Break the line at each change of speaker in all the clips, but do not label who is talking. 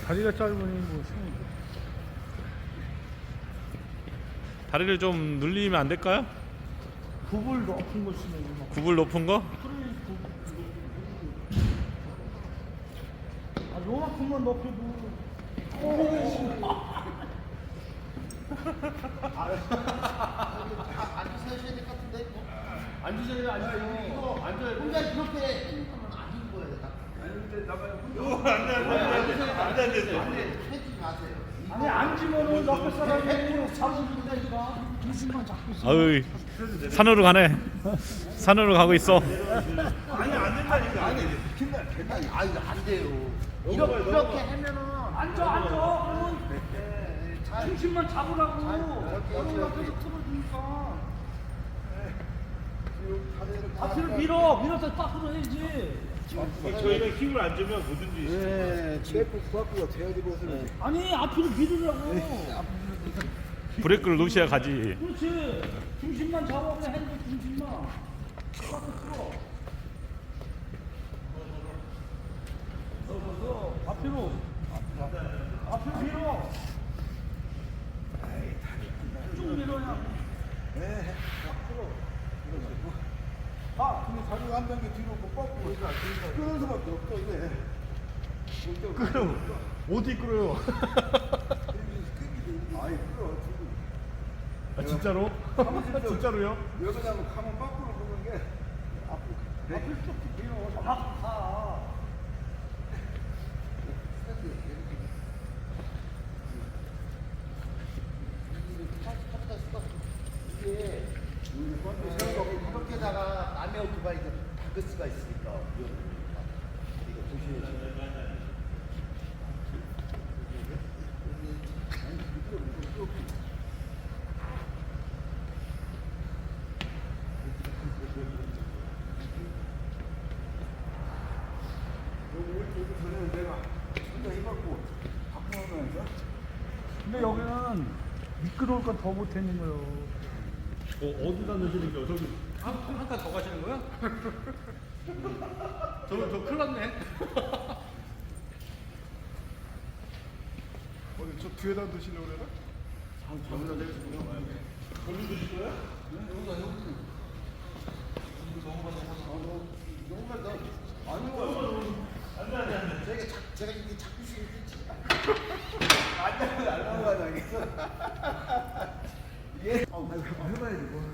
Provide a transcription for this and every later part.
다리가 짧으니 뭐 쉬운 거.
다리를 좀 늘리면 안 될까요?
굽을 높은 거 쓰면 막.
굽을 높은 거?
아, 요만큼만 높여도.
앉으셔야 될 것 같은데?
앉으세요, 앉으세요.
이거
앉아요.
혼자 이렇게 생각하면 아닌 거예요. 해주지 마세요.
아니, 앉으면은 옆에 사람이 잡으면 되니까. 중심만 잡고 있어.
아유, 산으로 가네. 산으로 가고 있어.
아니 안 돼요. 이렇게 하면은
앉아. 그러면 중심만 잡으라고. 여기 옆에서 틀어주니까. 앞으로 밀어서 딱 끌어야지.
저희가 힘을 안 주면 뭐든지
네, 셰프 구합구가 돼야 되고 네.
아니, 앞으로 밀으라고.
브레이크를 놓으셔야 가지.
그렇지. 중심만 잡아. 그냥 핸들 중심만. 딱 틀어. 앞으로. 앞으로 밀어. 쭉 밀어야.
네, 아, 근데 자리가 한 단계 뒤로 못 뻗고 끄는 수밖에 없어 이게.
끌어. 어디 끌어요?
아이 끌어 지금.
아, 진짜로? 진짜로요?
왜 그러냐면 가면 밖으로 보는 게 앞으로 쭉 밀어.
가.
이게 이렇게다가 남의 오토바이도 박을 수가 있으니까 이거 조심해야지.
여기 전에는 내가 혼자 해갖고 바꾸면서
근데 여기는 미끄러울 건 더 못했는 거요.
어디다 넣으시는 거예요? 저기 한 칸 더 가시는 거야? 저 큰일 났네.
어디 저 뒤에다 두시려고 그래나?
저기다 내리시고요. 거기 드실 거야?
제가 이게 자꾸 시키지.
안 넘어가자겠어. 예. 해봐야지 뭐.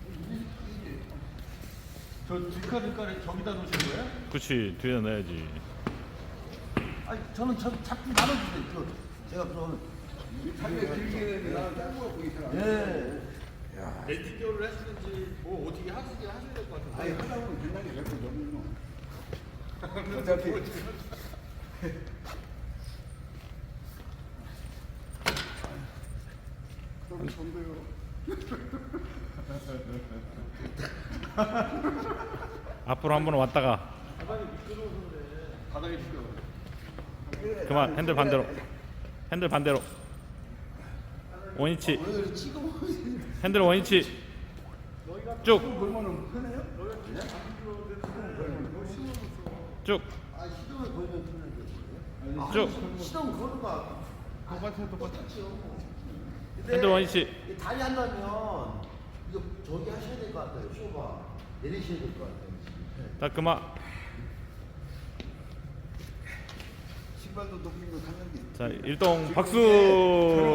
저 뒷칸을 저기다 놓으시는 거예요?
그렇지, 뒤에 넣어야지.
아니 저는 자꾸 나눠주세요. 제가 그럼
자기가 길게 내는데 나는 짧은 거 보기 싫어.
예.
렌티교를 하시는지 뭐 어떻게 하셔야 될 것 같은데.
아니 하다 보면 된다는 게 몇번 넘는 거. 어차피 너무 좋은데요.
앞으로 한번 왔다가
바닥에 미끄러워.
그만. 핸들 반대로. 핸들 반대로. 원위치. 핸들 원위치. 쭉.
보면은 편해요?
쭉.
아 시동을 걸면 틀리는 거예요?
쭉.
시동 거는 거
핸들 원위치.
이 다리 한다면 이거 저기 하셔야 될 것 같아요. 쇼바 내리셔야 될 것 같아요.
자, 그만.
신발도 높은 거 갔는데.
자, 일동 박수.